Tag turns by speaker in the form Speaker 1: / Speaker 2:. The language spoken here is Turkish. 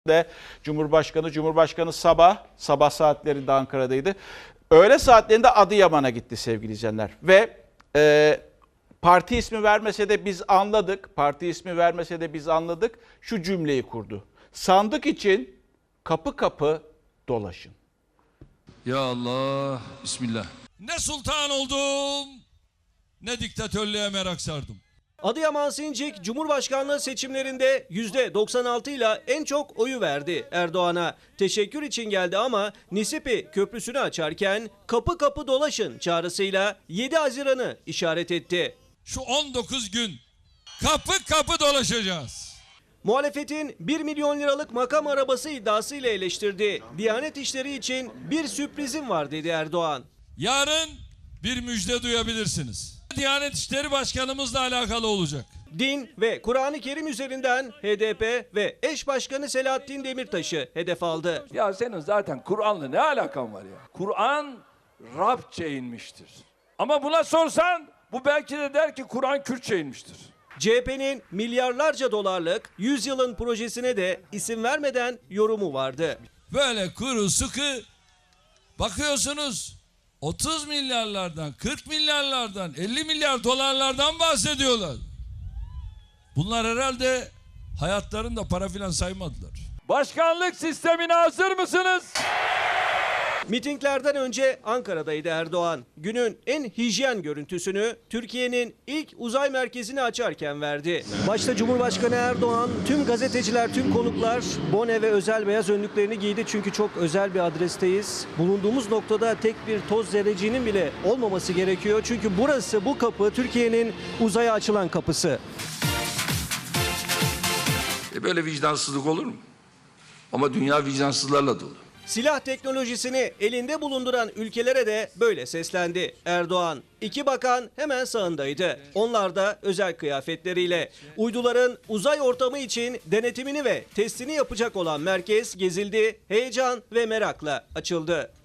Speaker 1: de Cumhurbaşkanı sabah saatlerinde Ankara'daydı. Öğle saatlerinde Adıyaman'a gitti sevgili izleyenler. Ve parti ismi vermese de biz anladık. Şu cümleyi kurdu. Sandık için kapı kapı dolaşın.
Speaker 2: Ya Allah, Bismillah. Ne sultan oldum, ne diktatörlüğe merak sardım.
Speaker 3: Adıyaman Sincik Cumhurbaşkanlığı seçimlerinde %96 ile en çok oyu verdi Erdoğan'a. Teşekkür için geldi ama Nisipi Köprüsü'nü açarken kapı kapı dolaşın çağrısıyla 7 Haziran'ı işaret etti.
Speaker 2: Şu 19 gün kapı kapı dolaşacağız.
Speaker 3: Muhalefetin 1 milyon liralık makam arabası iddiasıyla eleştirdi. Diyanet İşleri için bir sürprizim var dedi Erdoğan.
Speaker 2: Yarın bir müjde duyabilirsiniz. Diyanet İşleri Başkanımızla alakalı olacak.
Speaker 3: Din ve Kur'an-ı Kerim üzerinden HDP ve eş başkanı Selahattin Demirtaş'ı hedef aldı.
Speaker 4: Ya senin zaten Kur'an'la ne alakan var ya? Kur'an Rabçe inmiştir. Ama buna sorsan bu belki de der ki Kur'an Kürtçe inmiştir.
Speaker 3: CHP'nin milyarlarca dolarlık 100 yılın projesine de isim vermeden yorumu vardı.
Speaker 2: Böyle kuru sıkı bakıyorsunuz 30 milyarlardan, 40 milyarlardan, 50 milyar dolarlardan bahsediyorlar. Bunlar herhalde hayatlarında para filan saymadılar.
Speaker 4: Başkanlık sistemine hazır mısınız?
Speaker 3: Mitinglerden önce Ankara'daydı Erdoğan. Günün en hijyen görüntüsünü Türkiye'nin ilk uzay merkezini açarken verdi. Başta Cumhurbaşkanı Erdoğan, tüm gazeteciler, tüm konuklar bone ve özel beyaz önlüklerini giydi. Çünkü çok özel bir adresteyiz. Bulunduğumuz noktada tek bir toz zerreciğinin bile olmaması gerekiyor. Çünkü burası, bu kapı Türkiye'nin uzaya açılan kapısı.
Speaker 5: Böyle vicdansızlık olur mu? Ama dünya vicdansızlarla dolu.
Speaker 3: Silah teknolojisini elinde bulunduran ülkelere de böyle seslendi Erdoğan. 2 bakan hemen sağındaydı. Onlar da özel kıyafetleriyle. Uyduların uzay ortamı için denetimini ve testini yapacak olan merkez gezildi, heyecan ve merakla açıldı.